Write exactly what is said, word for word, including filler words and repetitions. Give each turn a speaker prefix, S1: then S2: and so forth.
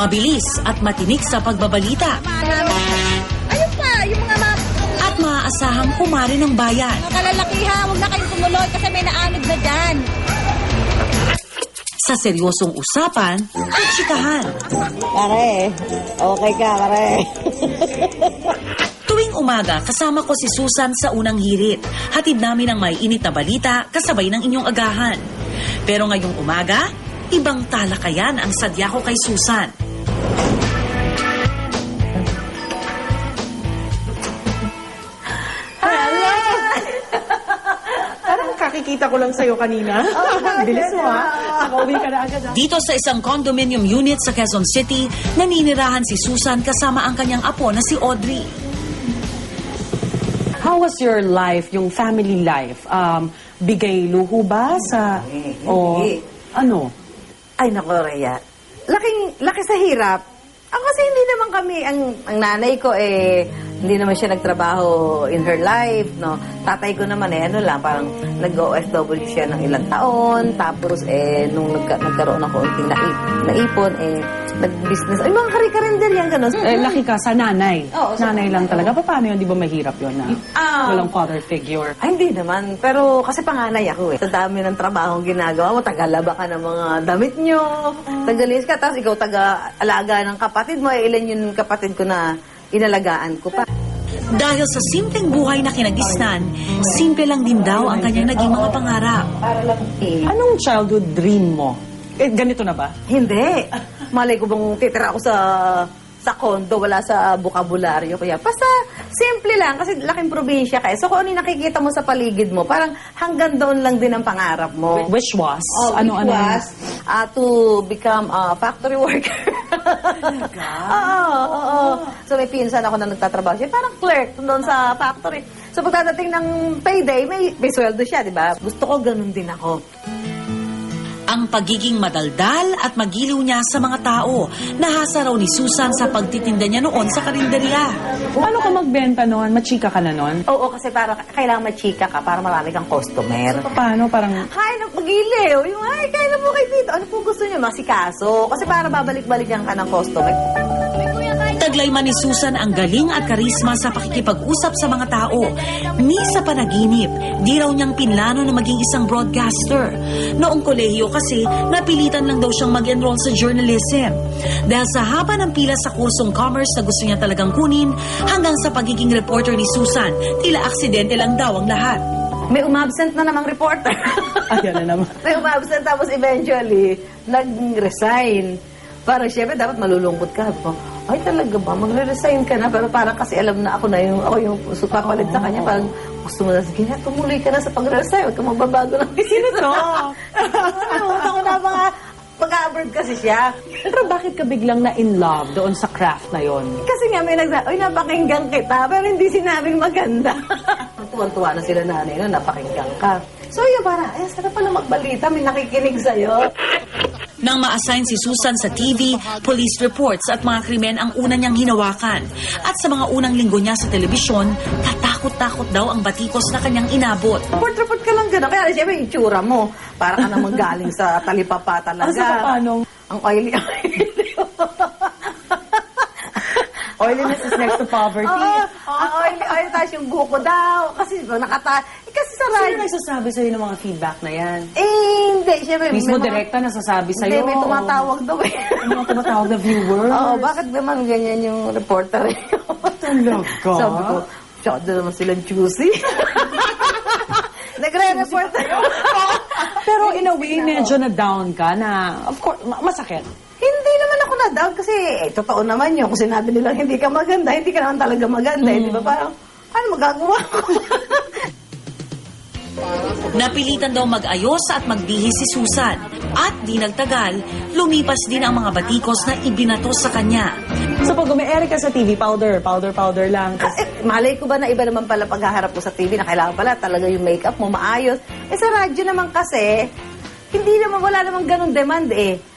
S1: Mabilis at matinik sa pagbabalita.
S2: Ayun pa, yung mga mga
S1: At maaasahang kumari ng bayan.
S2: kalalakihan, huwag na kayong tumuloy kasi may naanod na dyan.
S1: Sa seryosong usapan at chikahan.
S2: Pare, okay ka, pare.
S1: Tuwing umaga, kasama ko si Susan sa unang hirit. Hatid namin ang may init na balita kasabay ng inyong agahan. Pero ngayong umaga, ibang talakayan ang sadya ko kay Susan.
S3: Parang kakikita ko lang sa'yo kanina. Bilis mo ha. Nakauwi ka na agad ha.
S1: Dito sa isang condominium unit sa Quezon City, naninirahan si Susan kasama ang kanyang apo na si Audrey.
S3: How was your life, yung family life? Um, bigay luho ba sa... O ano?
S4: Ay, naku, Rhea. Laking, laki sa hirap. Ang kasi hindi naman kami, ang, ang nanay ko eh, hindi naman siya nagtrabaho in her life, no? Tatay ko naman eh, ano lang, parang nag-O F W siya ng ilang taon, tapos eh, nung nagka, nagkaroon ng konting naip, naipon, eh, nag-business, ay, mga kari-karinder yan, gano'n.
S3: Eh, laki ka sa nanay.
S4: Oo, sa
S3: nanay lang talaga. Paano yun? Di ba mahirap yun na
S4: Ah.
S3: walang father figure?
S4: Ay, hindi naman. Pero kasi panganay ako eh. Sa dami ng trabaho ginagawa mo, tagalaba ka ng mga damit nyo, tagalis ka, tapos ikaw taga-alaga ng kapatid mo, eh, ilan yung kapatid ko na inalagaan ko pa.
S1: Dahil sa simpleng buhay na kinagisnan, simple lang din daw ang kanyang naging mga pangarap.
S4: Para lang eh.
S3: Anong childhood dream mo? Eh, ganito na ba?
S4: Hindi. Malay ko bang titira ako sa sa condo, wala sa bukabularyo. Kaya basta simple lang kasi laking probinsya ka. Eh. So kung ano yung nakikita mo sa paligid mo, parang hanggang doon lang din ang pangarap mo.
S3: Which was?
S4: Oh,
S3: ano,
S4: which
S3: ano?
S4: was uh, to become a factory worker. Oo, oo, oo. So may pinsan ako na nagtatrabaho siya. Parang clerk doon sa factory. So pagdadating ng payday, may, may sweldo siya, di ba? Gusto ko ganun din ako.
S1: Ang pagiging madaldal at magiliw niya sa mga tao, nahasa raw ni Susan sa pagtitinda niya noon sa karinderya.
S3: Paano ka magbenta noon? Machika ka na noon?
S4: Oo, kasi para kailangan machika ka para marami kang customer.
S3: Paano? Parang...
S4: Hi, napagiliw. Yung, ay, kailan mo kayo dito? Ano po gusto niyo? Masikaso. Kasi para babalik-balikan ka ng customer.
S1: Taglay man ni Susan ang galing at karisma sa pakikipag-usap sa mga tao. Ni sa panaginip, di raw niyang pinlano na maging isang broadcaster. Noong kolehiyo kasi, napilitan lang daw siyang mag-enroll sa journalism. Dahil sa haba ng pila sa kursong commerce na gusto niya talagang kunin, hanggang sa pagiging reporter ni Susan, tila aksidente lang daw ang lahat.
S4: May umabsent na namang reporter.
S3: Ayan na naman.
S4: May umabsent tapos eventually, nag-resign. Parang syempre, dapat malulungkot ka. Ay, talaga ba? Magre-resign ka na. Pero parang kasi alam na ako na yung, ako yung papalit sa kanya. Parang gusto mo na, sige na, tumuloy ka na sa pag-resign. Huwag ka magbabago ng
S3: Sino to?
S4: Ano, ako na mga pag-abroad kasi siya.
S3: Pero bakit ka biglang na in love doon sa craft na yon?
S4: Kasi nga may nagsabi, ay, napakinggan kita. Pero hindi sinabing maganda. Tuwan-tuwa na sila nanay na, napakinggan ka. So yun, para, ay, sarap pala magbalita. May nakikinig sa'yo.
S1: Nang ma-assign si Susan sa T V, police reports at mga krimen ang una niyang hinawakan. At sa mga unang linggo niya sa telebisyon, katakot-takot daw ang batikos na kanyang inabot.
S4: Report-report ka lang gano'n. Kaya siyempre, yung itsura mo. Para ka naman galing sa talipapa talaga.
S3: Asa ka paano?
S4: Ang oily.
S3: Oiliness is next to poverty.
S4: Oo, ang oily, oily. Tapos yung buko daw. Kasi diba, nakata... Eh, kasi sa
S3: Sino
S4: radyo...
S3: nagsasabi sa'yo ng mga feedback na yan?
S4: Eh, hindi. Siyempre,
S3: Mismo
S4: may mga-
S3: direkta nasasabi sa'yo?
S4: Hindi, may tumatawag daw eh.
S3: May mga tumatawag na viewers?
S4: Oo, bakit naman ganyan yung reporter eh?
S3: Talaga?
S4: Sabi ko, syado naman silang juicy. Nagre-report.
S3: Pero in a way, medyo na down ka na, of course, ma- masakit.
S4: Hindi naman ako na-down kasi eh, totoo naman yun. Kung sinabi nilang hindi ka maganda, hindi ka naman talaga maganda. Eh, di ba? Parang, ano magagawa ko?
S1: Napilitan daw mag-ayos at magbihis si Susan. At di nagtagal, lumipas din ang mga batikos na ibinato sa kanya.
S3: So pag umi-ere ka sa T V, powder, powder, powder lang.
S4: Ah, eh, malay ko ba na iba naman pala paghaharap ko sa T V na kailangan pala talaga yung makeup mo maayos. Eh sa radyo naman kasi, hindi naman, wala namang ganun demand eh.